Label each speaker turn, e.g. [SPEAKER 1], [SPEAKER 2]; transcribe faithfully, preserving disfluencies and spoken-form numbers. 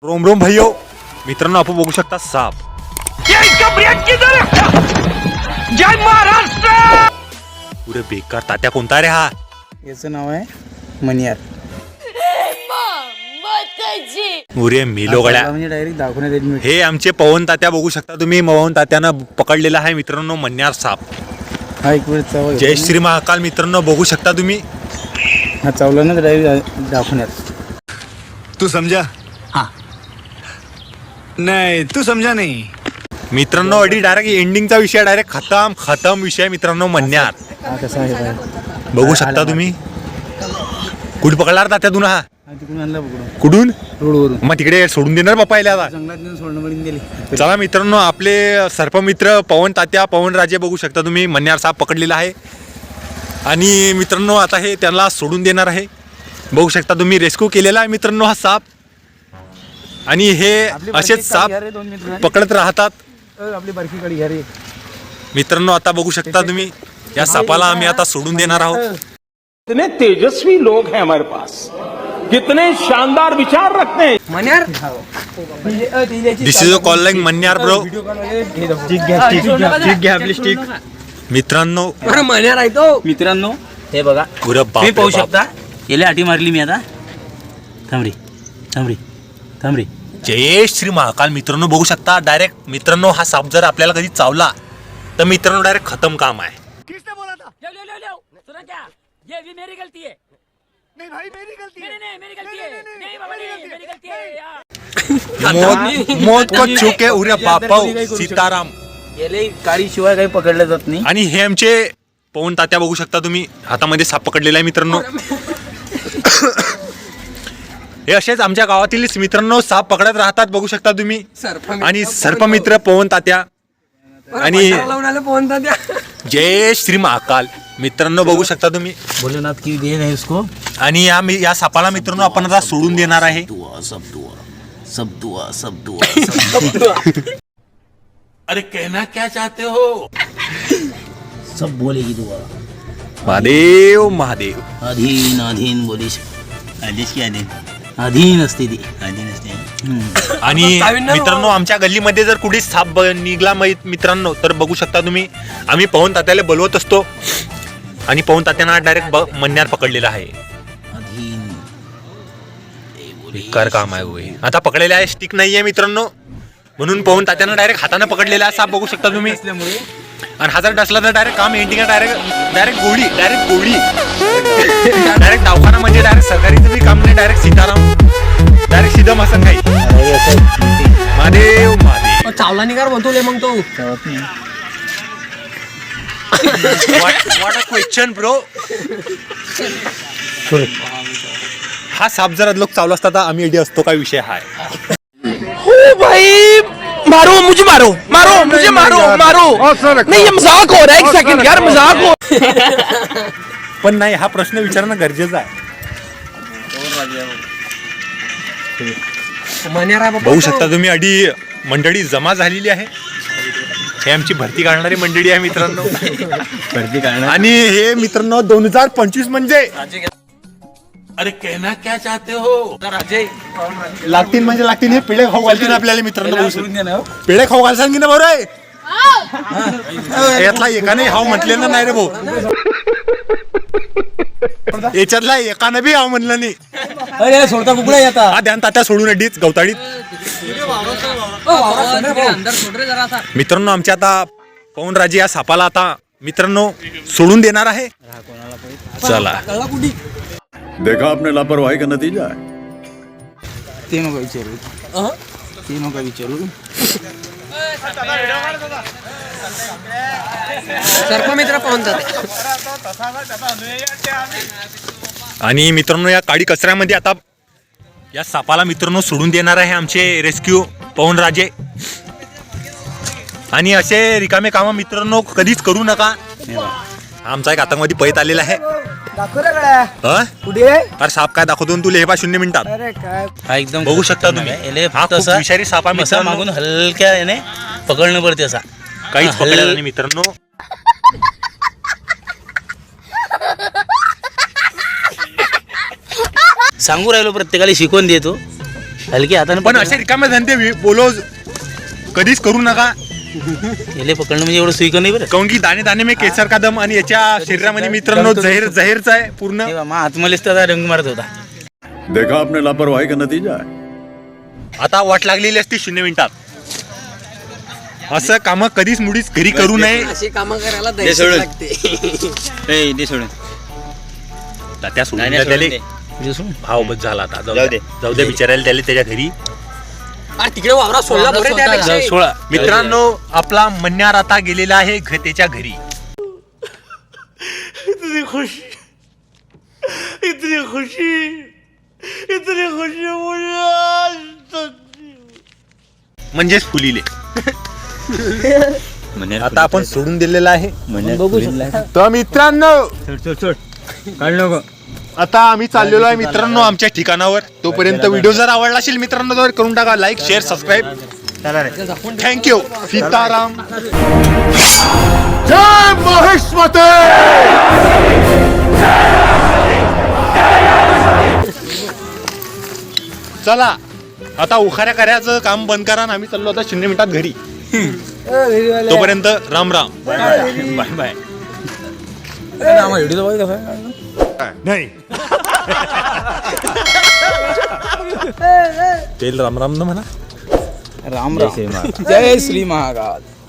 [SPEAKER 1] Rome Rome भैयो मित्रांनो, आपण बघू शकता साप. जय महाराष्ट्र. पुरे बेकार तात्या कोणता रे हा?
[SPEAKER 2] याचं नाव आहे मनियार.
[SPEAKER 1] उरे मिलो गड्या.
[SPEAKER 2] म्हणजे डायरेक्ट दाखवण्यात येईल.
[SPEAKER 1] हे आमचे पवन तात्या बघू शकता तुम्ही. पवन तात्यानं पकडलेला आहे मित्रांनो मन्यार साप.
[SPEAKER 2] हा एक वेळ चावला.
[SPEAKER 1] जय श्री महाकाल मित्रांनो, बघू शकता तुम्ही.
[SPEAKER 2] हा चावला ना डायरेक्ट दाखवण्यात.
[SPEAKER 3] तू समझा? हाँ. नहीं तू समझा नहीं.
[SPEAKER 1] मित्रांनो अडी डायरेक्ट एंडिंगचा विषय डायरेक्ट खतम खतम विषय मित्रांनो मन्यार.
[SPEAKER 2] हा कसा आहे बाहेर.
[SPEAKER 1] बघू शकता तुम्ही. कुठे पकडला तात्या तुला हा?
[SPEAKER 2] हा तिकडून आणला पकडून.
[SPEAKER 1] कुठून?
[SPEAKER 2] रोडवरून.
[SPEAKER 1] मग तिकडे सोडून देणार बाप्पा याला आता?
[SPEAKER 2] जंगलात नेऊन सोडणं पडून दिली.
[SPEAKER 1] चला मित्रांनो, आपले सर्पमित्र पवन तात्या पवन राजे बघू शकता तुम्ही. मन्यार साप पकडलेला आहे आणि मित्रांनो आता हे त्यांना सोडून देणार आहे. बघू शकता तुम्ही. रेस्क्यू केलेला आहे मित्रांनो हा साप. आणि हे असेच साप पकडत राहतात.
[SPEAKER 2] आपली बारकी गाडी घ्या रे
[SPEAKER 1] मित्रांनो. आता बघू शकता तुम्ही या सापाला आम्ही आता सोडून देणार आहोत.
[SPEAKER 4] कितने तेजस्वी लोग हैं हमारे पास, कितने शानदार विचार रखते हैं.
[SPEAKER 2] मनियार.
[SPEAKER 1] This is a call like मन्यार ब्रो. मित्रांनो
[SPEAKER 5] मन्यार आहे तो.
[SPEAKER 6] मित्रांनो हे बघा,
[SPEAKER 1] पुरं बाप
[SPEAKER 6] तुम्ही
[SPEAKER 1] रे
[SPEAKER 6] पाहू
[SPEAKER 1] बाप.
[SPEAKER 6] शकता. याला आठी मारली मी आता. थांबरी थांबरी थांबरी.
[SPEAKER 1] जय श्री महाकाल मित्रांनो, बघू शकता डायरेक्ट. मित्रांनो हा साप जर आपल्याला कधी चावला तर मित्रांनो डायरेक्ट खतम काम आहे.
[SPEAKER 5] किसने बोला था? ले ले ले ले सुना क्या? ये भी मेरी गलती है. नहीं भाई मेरी गलती है. नहीं नहीं मेरी गलती है. नहीं बाबा नहीं मेरी गलती है यार.
[SPEAKER 1] मौत मौत को छुके उरे बापा सीताराम.
[SPEAKER 6] याला काळी शिवाय काही पकडलं जात नाही.
[SPEAKER 1] आणि हे आमचे पवन तात्या बघू शकता तुम्ही. हातामध्ये साप पकडलेला आहे मित्रांनो. हे असेच आमच्या गावातील मित्रांनो साप पकडत राहतात बघू शकता तुम्ही. आणि सर्पमित्र पवन तात्या आणि जय श्री महाकाल मित्रांनो, बघू शकता तुम्ही.
[SPEAKER 6] भोलेनाथ की देन है उसको.
[SPEAKER 1] आणि या या सापाला मित्रांनो आपण आता सोडून देणार आहे.
[SPEAKER 6] दुआ सब दुआ सब दुआ सब दुआ.
[SPEAKER 4] अरे कहना क्या चाहते हो?
[SPEAKER 6] सब बोलेगी दुआ.
[SPEAKER 1] महादेव महादेव.
[SPEAKER 6] अधीन अधीन बोली आदेश की अधीन अधीन असते ती. अधीन असते.
[SPEAKER 1] आणि मित्रांनो आमच्या गल्लीमध्ये जर कुठे साप ब- निघला मै- मित्रांनो तर बघू शकता तुम्ही. आम्ही पवन तात्याला बोलवत असतो आणि पवन तात्यांना डायरेक्ट मन्यार पकडलेला आहे.
[SPEAKER 6] अधीन
[SPEAKER 1] बेकार काम आहे होय. आता पकडलेला आहे, स्टिक नाहीये मित्रांनो, म्हणून पवन तात्यांना डायरेक्ट हाताने पकडलेला आहे साप बघू शकता तुम्ही. आणि हजार डसला तर डायरेक्ट काम एंडिंग डायरेक्ट डायरेक्ट गोळी डायरेक्ट गोळी डायरेक्ट दवाखाना म्हणजे डायरेक्ट सरकारीचं बी काम नाही. डायरेक्ट सीताराम डायरेक्ट सीधा मसन काही. महादेव महादेव.
[SPEAKER 5] चावला निघार म्हणतो ले मग तो.
[SPEAKER 1] What a question bro. हा साप जर लोक चावला असता तर आम्ही एडी असतो काय विषय हाय.
[SPEAKER 5] ओ भाई मारो मुझे मारो मारो मुझे मारो मारो. नहीं ये मजाक हो रहा है. एक सेकंड यार मजाक हो.
[SPEAKER 1] पण नाही, हा प्रश्न विचारणं गरजेचं आहे.
[SPEAKER 5] मन्यार आहे बाबा.
[SPEAKER 1] बघू शकता तुम्ही अडी मंडळी जमा झालेली आहे. हे आमची भरती काढणारी मंडळी आहे मित्रांनो.
[SPEAKER 6] भरती काढणार.
[SPEAKER 1] आणि हे मित्रांनो दोन हजार पंचवीस म्हणजे
[SPEAKER 4] अरे कहना क्या चाहते हो?
[SPEAKER 1] लागतील म्हणजे लागतील. हे पिढे खाऊ घालतील आपल्याला मित्रांनो. बघू शकता. पिढे खाऊ घालसान की ना बरोबर आहे. यातला एकाने हाव म्हटलेलं नाही रे भाऊ. याच्यातला एकानं बी हाव म्हणलं नाही.
[SPEAKER 2] अरे सोडता कुकडा येता.
[SPEAKER 1] हा ध्यान तात्या सोडून अडीच गवताडीत. मित्रांनो आमच्या आता पवन राजे या सापाला आता मित्रांनो सोडून देणार आहे. चला.
[SPEAKER 3] देखा आपने लापरवाही का नतीजा है.
[SPEAKER 2] ते नका विचारू. ते नका विचारू.
[SPEAKER 5] सर्पमित्र पवन तात्या.
[SPEAKER 1] आणि मित्रांनो या काळी कचऱ्यामध्ये आता या सापाला मित्रांनो सोडून देणार आहे आमचे रेस्क्यू पवन राजे. आणि असे रिकामे कामं मित्रांनो कधीच करू नका. आमचा एक आतंकवादी पळत आलेला आहे. हा? अरे साप काय दाखवतो तुला हे पा शून्य मिनिटात.
[SPEAKER 6] हा एकदम
[SPEAKER 1] बघू शकता तुम्ही. हा खूप विषारी साप आहे
[SPEAKER 6] असा
[SPEAKER 1] मित्रांनो.
[SPEAKER 6] मागून हलक्या याने पकडणं पडते असा.
[SPEAKER 1] काहीच
[SPEAKER 6] हल-
[SPEAKER 1] पकडलेलं नाही मित्रांनो.
[SPEAKER 6] सांगू राहिलो प्रत्येकाला शिकवून देतो. हलके हाताने
[SPEAKER 1] पण असे रिकामे धंदे वि- बोलो कधीच करू नका.
[SPEAKER 6] याले पकडणं म्हणजे एवढं सुईक नाही बरं.
[SPEAKER 1] काऊन की दाणे दाणे में केसर का दम आणि याच्या शरीरामध्ये मित्रांनो जहर जहरचा आहे पूर्ण.
[SPEAKER 6] हे बा, मा आत्मलेच त्याचा रंग मारत होता.
[SPEAKER 3] देखा आपने लापरवाही का नतीजा है.
[SPEAKER 1] आता वाट लागलेली असती शून्य मिनिटात. असं काम कधीच मुळीच घरी करू नये.
[SPEAKER 7] अशी कामं करायला
[SPEAKER 6] दे
[SPEAKER 7] दहशत
[SPEAKER 6] सोडून.
[SPEAKER 7] लागते.
[SPEAKER 6] ए, दे सोडून.
[SPEAKER 1] तात्या सोडून
[SPEAKER 6] नाही,
[SPEAKER 1] द्या
[SPEAKER 6] नाही,
[SPEAKER 1] त्याले.
[SPEAKER 6] सोडून दे. दे सोडून.
[SPEAKER 1] भाव बस झाला आता जाऊ
[SPEAKER 6] जाऊ
[SPEAKER 1] दे
[SPEAKER 6] दे.
[SPEAKER 1] जाऊ दे बिचारायला त्याला त्याच्या घरी.
[SPEAKER 7] अरे तिकडे वावरा सोडला बरं त्यापेक्षा.
[SPEAKER 6] जाऊ, सोळा.
[SPEAKER 1] मित्रांनो आपला मन्यार आता गेलेला आहे घतेच्या घरी.
[SPEAKER 6] इतनी खुशी इतनी खुशी इतनी खुशी मुझे आज तक
[SPEAKER 1] म्हणजेच फुलीले. आता आपण सोडून दिलेला आहे. तर मित्रांनो आता आम्ही चाललेलो आहे मित्रांनो आमच्या ठिकाणावर. तोपर्यंत व्हिडिओ जर आवडला असेल मित्रांनो तर करून टाका like share subscribe. Thank you. Sitaram.
[SPEAKER 3] जय महेश्वते.
[SPEAKER 1] चला आता उखाऱ्या करायचं काम बंद करा आणि आम्ही चाललो आता शून्य मिनिटात घरी. तोपर्यंत राम राम बाय बाय. नाही तेल राम राम न म्हणा.
[SPEAKER 2] राम राम. जय श्री महाकाल.